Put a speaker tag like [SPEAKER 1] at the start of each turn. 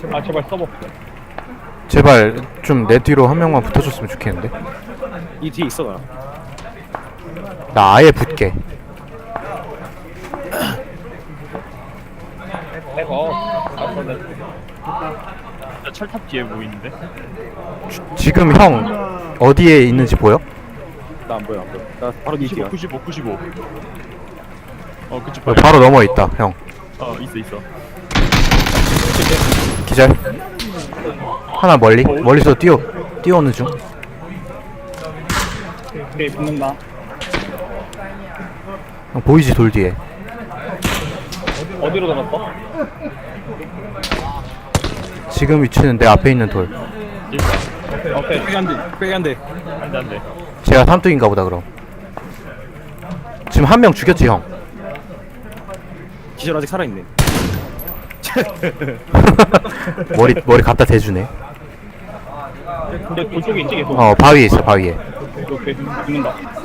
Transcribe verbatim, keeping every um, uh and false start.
[SPEAKER 1] 아 제발 써봐.
[SPEAKER 2] 제발 좀 내 뒤로 한 명만 붙어줬으면 좋겠는데.
[SPEAKER 3] 이 뒤에 있어 나.
[SPEAKER 2] 나 아예 붙게.
[SPEAKER 1] 해봐. 아빠네.
[SPEAKER 4] 나 철탑 뒤에 보이는데?
[SPEAKER 2] 지금 형 어디에 있는지 보여?
[SPEAKER 3] 나 안 보여 안 보여. 나 바로 니 뒤야.
[SPEAKER 4] 구십오, 구십오, 구십오. 어, 그치,
[SPEAKER 2] 어, 바로 넘어 있다 형.
[SPEAKER 4] 어, 있어, 있어.
[SPEAKER 2] 기절. 하나 멀리 멀리서 뛰어 뛰어오는 중.
[SPEAKER 1] 오케이 붙는다.
[SPEAKER 2] 형 보이지 돌 뒤에.
[SPEAKER 1] 어디로 들었어?
[SPEAKER 2] 지금 위치는 내 앞에 있는 돌.
[SPEAKER 1] 오케이.
[SPEAKER 3] 빼기 안 돼. 빼기 안 돼.
[SPEAKER 4] 안 돼, 안 돼.
[SPEAKER 2] 제가 삼뚝인가 보다 그럼. 지금 한 명 죽였지 형.
[SPEAKER 3] 기절 아직 살아있네.
[SPEAKER 2] 머리 머리 갖다 대주네.
[SPEAKER 1] 근데 돌 쪽에 있지 계속.
[SPEAKER 2] 어 바위에 있어 바위에.
[SPEAKER 1] 오케이 붙는다.